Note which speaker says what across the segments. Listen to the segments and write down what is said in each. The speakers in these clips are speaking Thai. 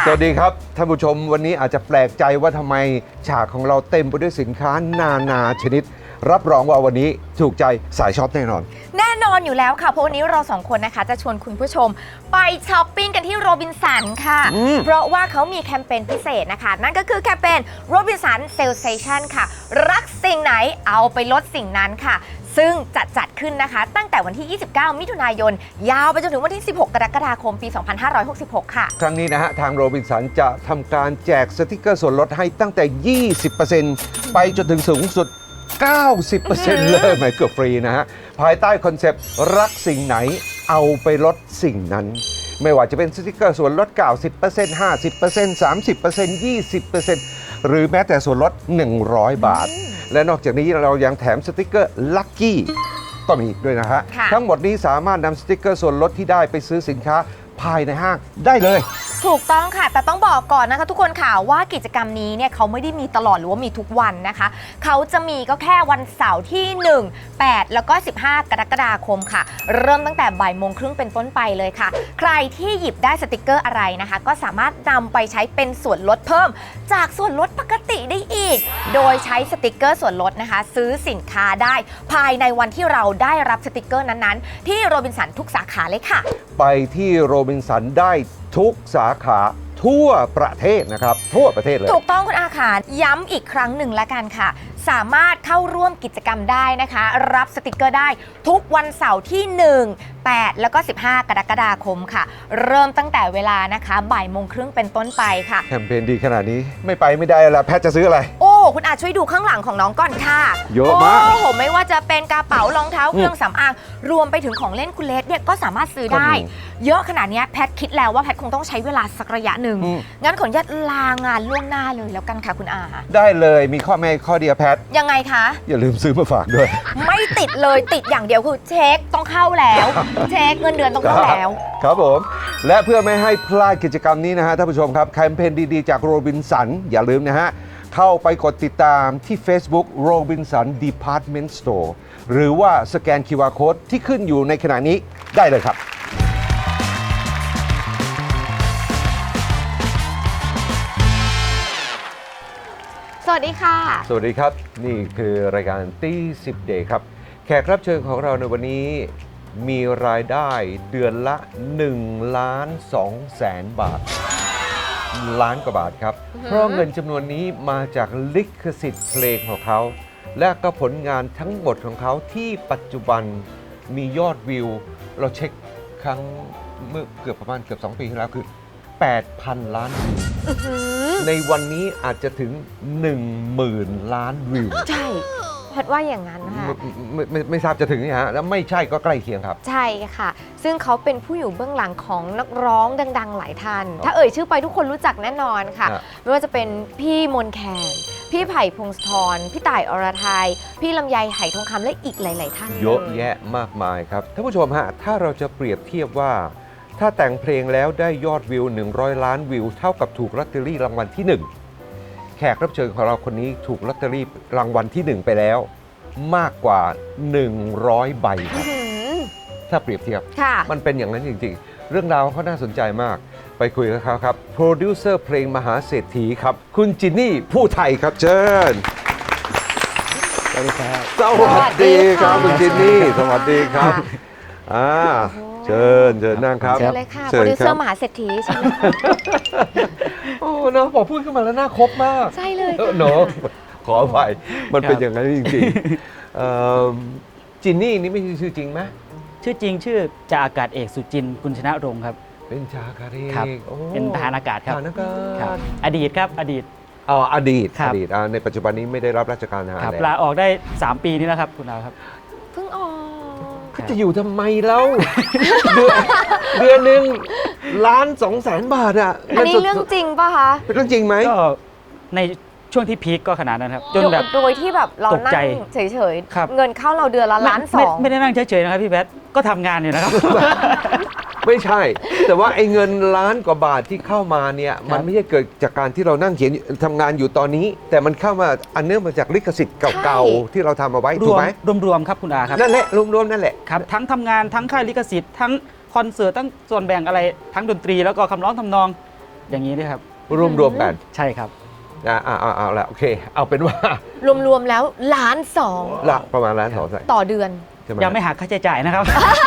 Speaker 1: สวัสดีครับท่านผู้ชมวันนี้อาจจะแปลกใจว่าทำไมฉากของเราเต็มไปด้วยสินค้านาชนิด รับรองว่าวันนี้ถูกใจสายช็อปแน่นอน
Speaker 2: แน่นอนอยู่แล้วค่ะเพราะวันนี้เราสองคนนะคะจะชวนคุณผู้ชมไปช้อปปิ้งกันที่โรบินสันค่ะเพราะว่าเขามีแคมเปญพิเศษนะคะนั่นก็คือแคมเปญโรบินสันเซลเซชันค่ะรักสิ่งไหนเอาไปลดสิ่งนั้นค่ะซึ่งจัดขึ้นนะคะตั้งแต่วันที่ 29 มิถุนายนยาวไปจนถึงวันที่ 16 กรกฎาคม ปี 2566 ค่ะ
Speaker 1: ครั้งนี้นะฮะทางโรบินสันจะทำการแจกสติกเกอร์ส่วนลดให้ตั้งแต่ 20% ไปจนถึงสูงสุด 90% เลยหมายเกือบฟรีนะฮะภายใต้คอนเซปต์รักสิ่งไหนเอาไปลดสิ่งนั้น ไม่ว่าจะเป็นสติกเกอร์ส่วนลด 90% 50% 30% 20% หรือแม้แต่ส่วนลด 100 บาท และนอกจากนี้เรายังแถมสติกเกอร์ลัคกี้ก็มีด้วยนะฮะทั้งหมดนี้สามารถนำสติกเกอร์ส่วนลดที่ได้ไปซื้อสินค้าภายในห้างได้เลย
Speaker 2: ถูกต้องค่ะแต่ต้องบอกก่อนนะคะทุกคนค่ะว่ากิจกรรมนี้เนี่ยเขาไม่ได้มีตลอดหรือว่ามีทุกวันนะคะเขาจะมีก็แค่วันเสาร์ที่ 1, 8 แล้วก็ 15 กรกฎาคมค่ะเริ่มตั้งแต่บ่ายโมงครึ่งเป็นต้นไปเลยค่ะใครที่หยิบได้สติกเกอร์อะไรนะคะก็สามารถนำไปใช้เป็นส่วนลดเพิ่มจากส่วนลดปกติได้อีกโดยใช้สติกเกอร์ส่วนลดนะคะซื้อสินค้าได้ภายในวันที่เราได้รับสติกเกอร์นั้นๆที่โรบินสันทุกสาขาเลยค่ะ
Speaker 1: ไปที่โรบินสันได้ทุกสาขาทั่วประเทศนะครับทั่วประเทศเลย
Speaker 2: ถูกต้องคุณอาค่ะย้ำอีกครั้งหนึ่งละกันค่ะสามารถเข้าร่วมกิจกรรมได้นะคะรับสติกเกอร์ได้ทุกวันเสาร์ที่ 1, 8 แล้วก็ 15 กรกฎาคมค่ะเริ่มตั้งแต่เวลานะคะบ่ายโมงครึ่งเป็นต้นไปค่ะ
Speaker 1: แคมเปญดีขนาดนี้ไม่ไปไม่ได้ละแพทจะซื้ออะไร
Speaker 2: โอ้คุณอาช่วยดูข้างหลังของน้องก่อนค่ะ
Speaker 1: เยอะมาก
Speaker 2: โอ้โหไม่ว่าจะเป็นกระเป๋ารองเท้าเครื่องสำอางรวมไปถึงของเล่นคุณเลสเนี่ยก็สามารถซื้อได้เยอะขนาดนี้แพทคิดแล้วว่าแพทคงต้องใช้เวลาสักระยะหนึ่งงั้นขออนุญาตลางานล่วงหน้าเลยแล้วกันค่ะคุณอา
Speaker 1: ได้เลยมีข้อแม้ข้อเดียวแพท
Speaker 2: ยังไงคะ
Speaker 1: อย่าลืมซื้อมาฝากด้วย
Speaker 2: ไม่ติดเลยติดอย่างเดียวคือเช็คต้องเข้าแล้วเช็คเงินเดือนต้องเข้าแล้ว
Speaker 1: ครับผมและเพื่อไม่ให้พลาดกิจกรรมนี้นะฮะท่านผู้ชมครับแคมเปญดีๆจากโรบินสันอย่าลืมนะฮะเข้าไปกดติดตามที่ Facebook Robinson Department Store หรือว่าสแกน QR Code ที่ขึ้นอยู่ในขณะนี้ได้เลยครับ
Speaker 2: สวัสดีค่ะ
Speaker 1: สวัสดีครับนี่คือรายการตี้10 Day ครับแขกรับเชิญของเราในวันนี้มีรายได้เดือนละ1,200,000 บาทล้านกว่าบาทครับเพราะเงินจำนวนนี้มาจากลิขสิทธิ์เพลงของเขาและก็ผลงานทั้งหมดของเขาที่ปัจจุบันมียอดวิวเราเช็คครั้งเมื่อเกือบประมาณเกือบ2 ปีที่แล้วคือ 8,000 ล้านวิวในวันนี้อาจจะถึง 10,000 ล้านวิว
Speaker 2: ใช่แพทว่าอย่างนั้นค่ะ
Speaker 1: ไม่ทราบจะถึงนี่ฮะแล้วไม่ใช่ก็ใกล้เคียงครับ
Speaker 2: ใช่ค่ะซึ่งเขาเป็นผู้อยู่เบื้องหลังของนักร้องดังๆหลายท่านถ้าเอ่ยชื่อไปทุกคนรู้จักแน่นอนค่ะไม่ว่าจะเป็นพี่มนต์แคนพี่ไผ่พงศธรพี่ต่ายอรทัยพี่ลำไยไหทองคำและอีกหลายๆท่าน
Speaker 1: เยอะแยะมากมายครับท่านผู้ชมฮะถ้าเราจะเปรียบเทียบว่าถ้าแต่งเพลงแล้วได้ยอดวิว100 ล้านวิวเท่ากับถูกลอตเตอรี่รางวัลที่1แขกรับเชิญของเราคนนี้ถูกลอตเตอรี่รางวัลที่1ไปแล้วมากกว่า100 ใบครับถ้าเปรียบเทียบมันเป็นอย่างนั้นจริงๆเรื่องราวเขาน่าสนใจมากไปคุยกับเขาครับโปรดิวเซอร์เพลงมหาเศรษฐีครับคุณจินนี่ผู้ไทยครับเชิญ
Speaker 3: สวัสดีครับ
Speaker 1: สวัสดีครับคุณจินนี่สวัสดีครับเชิญนั่งครับ
Speaker 2: เชิญเลยค่ะโปรดิวเซอร์มหาเศรษฐีใช่ไหม
Speaker 1: โอ้เนาะพอพูดขึ้นมาแล้วน่าคบมาก
Speaker 2: ใช่เลย
Speaker 1: เนาะขออภัยมันเป็นอย่างนั้นจริงๆจินนี่นี่ไม่ใช่ชื่อจริงไหม
Speaker 3: ชื่อจริงชื่อจ่าอากาศเอกสุจินต์ กุลชนะรงค์ครับ
Speaker 1: เป็นจ่าอากาศเอก
Speaker 3: เป็นทหารอากาศครับอดีตครับอดีต
Speaker 1: อดีตในปัจจุบันนี้ไม่ได้รับราชการทหารแล้ว
Speaker 3: ลาออกได้3 ปีนี้แล้วครับคุณดาวครับ
Speaker 2: เพิ่งออก
Speaker 1: จะอยู่ทำไมเล่าเดือนหนึ่ง1,200,000 บาทอ่ะ
Speaker 2: อันนี้เรื่องจริงป่ะคะ
Speaker 1: เป็นเรื่องจริงไหม
Speaker 3: ก็ในช่วงที่พีคก็ขนาดนั้นครับจนแบบ
Speaker 2: โดยที่แบบเรานั่งเฉยๆเงินเข้าเราเดือนละ1,200,000
Speaker 3: ไม่ได้นั่งเฉยๆนะครับพี่แพทก็ทำงานอยู่นะครับ
Speaker 1: ไม่ใช่แต่ว่าไอ้เงิน1,000,000 กว่าบาทที่เข้ามาเนี่ยมันไม่ใช่เกิดจากการที่เรานั่งเขียนทำงานอยู่ตอนนี้แต่มันเข้ามาอันเนื่องมาจากลิขสิทธิ์เก่าๆที่เราทำเอาไว้ถูกไหม
Speaker 3: รวมครับคุณอาครับ
Speaker 1: นั่นแหละรวมๆนั่นแหละ
Speaker 3: ครับทั้งทำงานทั้งค่ายลิขสิทธิ์ทั้งคอนเสิร์ตทั้งส่วนแบ่งอะไรทั้งดนตรีแล้วก็คำร้องทำนองอย่างนี้ด้วยครับ
Speaker 1: รวมๆกัน
Speaker 3: ใช่ครับ
Speaker 1: เอาละโอเค เอาเป็นว่า
Speaker 2: รวมๆแล้วล้านสอง
Speaker 1: ละประมาณล้านสองใช่
Speaker 2: ต่อเดือน
Speaker 1: ใช่ไหม
Speaker 3: ยังไม่หักค่าใช้จ่ายนะครับ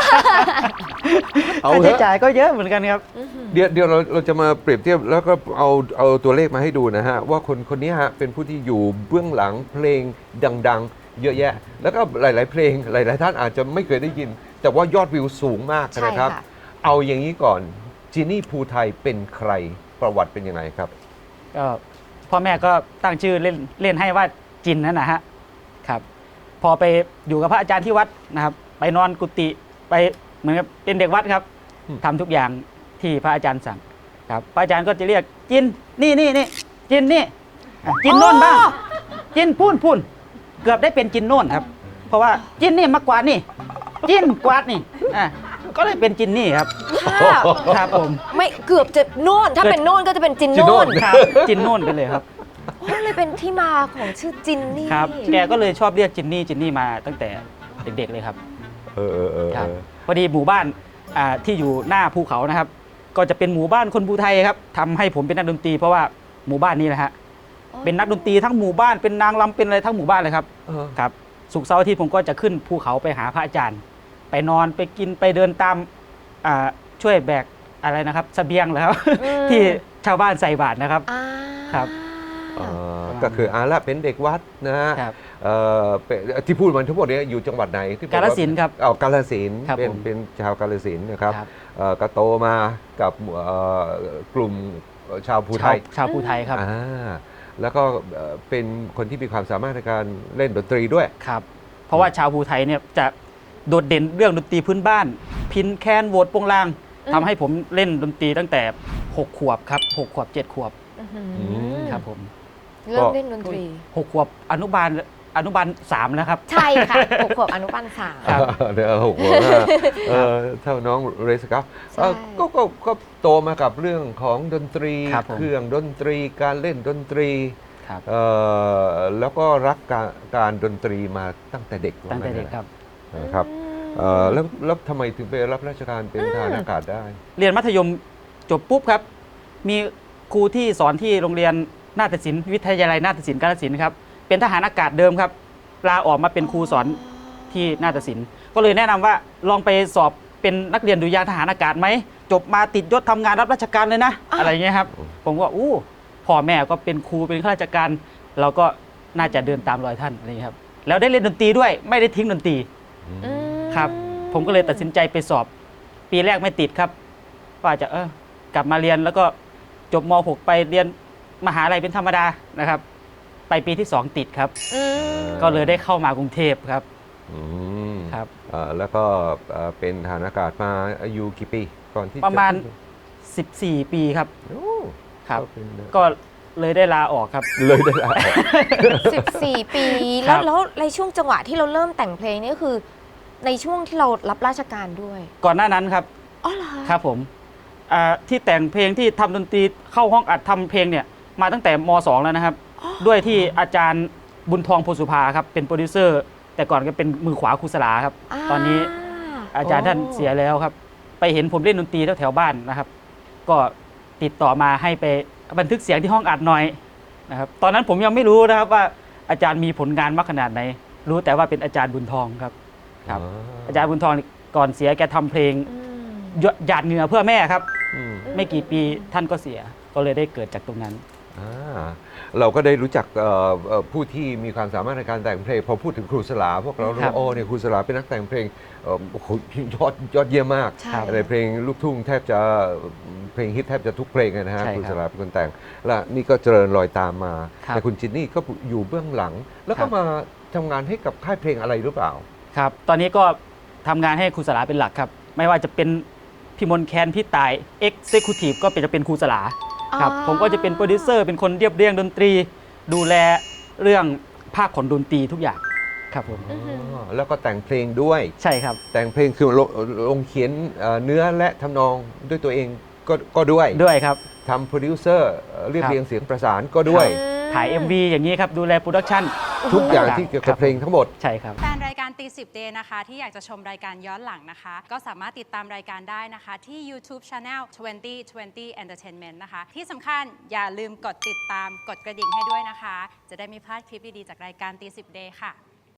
Speaker 1: เอา
Speaker 3: ค่า
Speaker 1: เถ
Speaker 3: ใช้
Speaker 1: อะ
Speaker 3: จ่ายก็เยอะเหมือนกันครับ
Speaker 1: เดี๋ยวเราจะมาเปรียบเทียบแล้วก็เอาตัวเลขมาให้ดูนะฮะ ว่าคนนี้ฮะเป็นผู้ที่อยู่เบื้องหลังเพลงดังๆ เยอะแยะ แล้วก็หลายๆเพลงหลายๆท่านอาจจะไม่เคยได้ยิน แต่ว่ายอดวิวสูงมาก
Speaker 2: ใช่
Speaker 1: นะครับ
Speaker 2: ค่ะ
Speaker 1: เอาอย่างนี้ก่อนจินนี่ภูไทยเป็นใครประวัติเป็นยังไงครับ
Speaker 3: ก็พ่อแม่ก็ตั้งชื่อเล่นให้ว่าจินนั่นนะฮะครับ พอไปอยู่กับพระอาจารย์ที่วัดนะครับ ไปนอนกุฏิไปเหมือนกับเป็นเด็กวัดครับ
Speaker 1: อืม
Speaker 3: ทำทุกอย่างที่พระอาจารย์สั่งครับพระอาจารย์ก็จะเรียกจินนี่จินนี่อ่ะจินโน่นบ้างจินพูนเกือบได้เป็นจินโน่นครับ เพราะว่าจินนี่มากวาดนี่จินกวาดนี่อ่ะก็เลยเป็นจินนี่ครับ
Speaker 2: ถ้า
Speaker 3: ครับผม
Speaker 2: ไม่เกือบจะโน่นถ้าเป็นโน่นก็จะเป็นจิน
Speaker 1: จินโน่
Speaker 2: โน่
Speaker 1: น
Speaker 2: น
Speaker 3: ครับจินโน่นไปเลยครับ
Speaker 2: โอ้เลยเป็นที่มาของชื่อจินนี่
Speaker 3: ครับแกก็เลยชอบเรียกจินนี่มาตั้งแต่เด็กๆเลยครับ ครับพอดีหมู่บ้านที่อยู่หน้าภูเขานะครับ ก็จะเป็นหมู่บ้านคนภูไทยครับทำให้ผมเป็นนักดนตรีเพราะว่าหมู่บ้านนี้นะฮะเป็นนักดนตรีทั้งหมู่บ้านเป็นนางรำเป็นอะไรทั้งหมู่บ้านเลยครับ
Speaker 1: เออ
Speaker 3: ครับศุกร์เสาร์อาทิตย์ผมก็จะขึ้นภูเขาไปหาพระอาจารย์ ไปนอนไปกินไปเดินตามช่วยแบกอะไรนะครับเสบียงเหรอครับ ที่ชาวบ้านใส่บาตรนะครับ
Speaker 2: อ่า
Speaker 3: ครับ
Speaker 1: ก็คือละเป็นเด็กวัดนะฮะ
Speaker 3: ครับ
Speaker 1: เป็นที่พูดมันทั้งหมดเนี้อยู่จังหวัดไหนที่บอกว่
Speaker 3: กาฬสินธุ์ครับ
Speaker 1: กาฬสินธุ์
Speaker 3: ครับ
Speaker 1: เป็น
Speaker 3: ผม
Speaker 1: เป็นชาวกาฬสินธุ์นะครับ
Speaker 3: ครับ
Speaker 1: ก็โตมากับกลุ่มชาวภูไทย
Speaker 3: ชาวภูไทยครับ
Speaker 1: แล้วก็เป็นคนที่มีความสามารถในการเล่นดนตรีด้วย
Speaker 3: ครับ เพราะว่าชาวภูไทยเนี่ยจะโดดเด่นเรื่องดนตรีพื้นบ้าน พินแคนโหวดโปงลางทำให้ผมเล่นดนตรีตั้งแต่ 6 ขวบครับ6 ขวบ 7 ขวบ
Speaker 2: อื้อหือ
Speaker 3: ครับผม
Speaker 2: เริ่มเล่นดนตรี
Speaker 3: 6 ขวบอนุบาล 3 แล้วครับ
Speaker 2: ใช่ค่ะ6 ขวบอนุบาล 3
Speaker 3: ครับ
Speaker 1: เดี๋ยวหกหัวเท่าน้องเรสครับ
Speaker 2: ใช่
Speaker 1: ก็โตมากับเรื่องของดนตรี
Speaker 3: ครับผม
Speaker 1: เครื่องดนตรีการเล่นดนตรี
Speaker 3: ครับ
Speaker 1: แล้วก็รักการดนตรีมาตั้งแต่เด็ก
Speaker 3: ตั้งแต่เด็กครับ
Speaker 1: นะครับแล้วทำไมถึงไปรับราชการเป็นทหารอากาศได้
Speaker 3: เรียนมัธยมจบปุ๊บครับ มีครูที่สอนที่โรงเรียนนาฏศิลป์วิทยาลัยนาฏศิลป์กาฬสินธุ์ครับ เป็นทหารอากาศเดิมครับลาออกมาเป็นครูสอนที่นาฏศิลป์ก็เลยแนะนำว่าลองไปสอบเป็นนักเรียนดุริยางค์ทหารอากาศไหมจบมาติดยศทำงานรับราชการเลยนะ อะไรเงี้ยครับ ผมก็พ่อแม่ก็เป็นครูเป็นข้าราชการ เราก็น่าจะเดินตามรอยท่านอะไรเงี้ยครับแล้วได้เล่นดนตรีด้วยไม่ได้ทิ้งดนตรี ครับผมก็เลยตัดสินใจไปสอบปีแรกไม่ติดครับว่าจะกลับมาเรียนแล้วก็จบม .6 ไปเรียนมหาลัยเป็นธรรมดานะครับ ไปปีที่ 2 ติดครับ ก็เลยได้เข้ามากรุงเทพครับ
Speaker 1: อืม
Speaker 3: ครับ
Speaker 1: แล้วก็เป็นทหารอากาศมาอายุกี่ปีก่อนที่
Speaker 3: ประมาณ
Speaker 1: จ
Speaker 3: 14 ปีครับ
Speaker 1: โอ้
Speaker 3: ครับ
Speaker 1: ก็เป็น
Speaker 3: ก็เลยได้ลาออกครับ
Speaker 1: เลยได้ละ
Speaker 2: 14 ปี
Speaker 3: ครั
Speaker 2: แล้ว
Speaker 3: บ
Speaker 2: แล้วในช่วงจังหวะที่เราเริ่มแต่งเพลงนี่ก็คือ ในช่วงที่เรารับราชการด้วย
Speaker 3: ก่อนหน้านั้นครับ
Speaker 2: อ๋อเหรอ
Speaker 3: ครับผมที่แต่งเพลงที่ทำดนตรีเข้าห้องอัดทำเพลงเนี่ยมาตั้งแต่ม .2 แล้วนะครับ ด้วยที่อาจารย์บุญทองโพสุภาครับเป็นโปรดิวเซอร์ แต่ก่อนก็เป็นมือขวาครูสลาครับ ตอนนี้อาจารย์ท่านเสียแล้วครับ ไปเห็นผมเล่นดนตรีแถวๆบ้านนะครับ ก็ติดต่อมาให้ไปบันทึกเสียงที่ห้องอัดหน่อยนะครับ ตอนนั้นผมยังไม่รู้นะครับว่าอาจารย์มีผลงานมากขนาดไหน รู้แต่ว่าเป็นอาจารย์บุญทองครับ ครับ อาจารย์บุญทองก่อนเสียแกทำเพลง
Speaker 2: อืม
Speaker 3: หยาดเหงื่อเพื่อแม่ครับ
Speaker 1: อืม
Speaker 3: ไม่กี่ปีท่านก็เสียก็เลยได้เกิดจากตรงนั้น
Speaker 1: เราก็ได้รู้จักผู้ที่มีความสามารถในการแต่งเพลงพอพูดถึงครูสลาพวกเรารู้
Speaker 3: ครับ
Speaker 1: ว่าโอ้เนี่ยครูสลาเป็นนักแต่งเพลงโอ้โหยอดเยี่ยมมาก
Speaker 2: ใช่
Speaker 1: ในเพลงลูกทุ่งแทบจะเพลงฮิตแทบจะทุกเพลงเลยนะฮะ
Speaker 3: ใช่
Speaker 1: ครู
Speaker 3: ค
Speaker 1: ส
Speaker 3: รับ
Speaker 1: ลาเป็นคนแต่งและนี่ก็เจริญรอยตามมา
Speaker 3: ครับ
Speaker 1: แต่คุณจินนี่ก็อยู่เบื้องหลัง แล้ว
Speaker 3: ครั
Speaker 1: ก็
Speaker 3: บ
Speaker 1: มาทำงานให้กับค่ายเพลงอะไรหรือเปล่า
Speaker 3: ครับ ตอนนี้ก็ทำงานให้ครูสลาเป็นหลักครับ ไม่ว่าจะเป็นพี่มนต์แคนพี่ต่าย Executive ก็จะเป็นครูสลาครับ ผมก็จะเป็นโปรดิวเซอร์เป็นคนเรียบเรียงดนตรี ดูแลเรื่องภาคขนดนตรีทุกอย่างครับผม
Speaker 1: แล้วก็แต่งเพลงด้วย
Speaker 3: ใช่ครับ
Speaker 1: แต่งเพลงคือลงเขียนเนื้อและทำนองด้วยตัวเองก็ด้วย
Speaker 3: ด้วยครับ
Speaker 1: ทำโปรดิวเซอร์เรียบ
Speaker 3: ครับ
Speaker 1: เรียงเสียงประสานก็ด้วย
Speaker 3: ถ่าย MV อย่างนี้ครับ ดูแลโปรดักชัน
Speaker 1: ทุกอย่างที่เกี่ยวกับเพลงทั้งหมด
Speaker 3: ใช่ครับ
Speaker 4: แฟนรายการตีสิบเดย์นะคะที่อยากจะชมรายการย้อนหลังนะคะ ก็สามารถติดตามรายการได้นะคะ ที่ YouTube Channel 2020 Entertainment นะคะ ที่สำคัญอย่าลืมกดติดตามกดกระดิ่งให้ด้วยนะคะ จะได้ไม่พลาดคลิปดี ๆ จากรายการตีสิบเดย์ค่ะ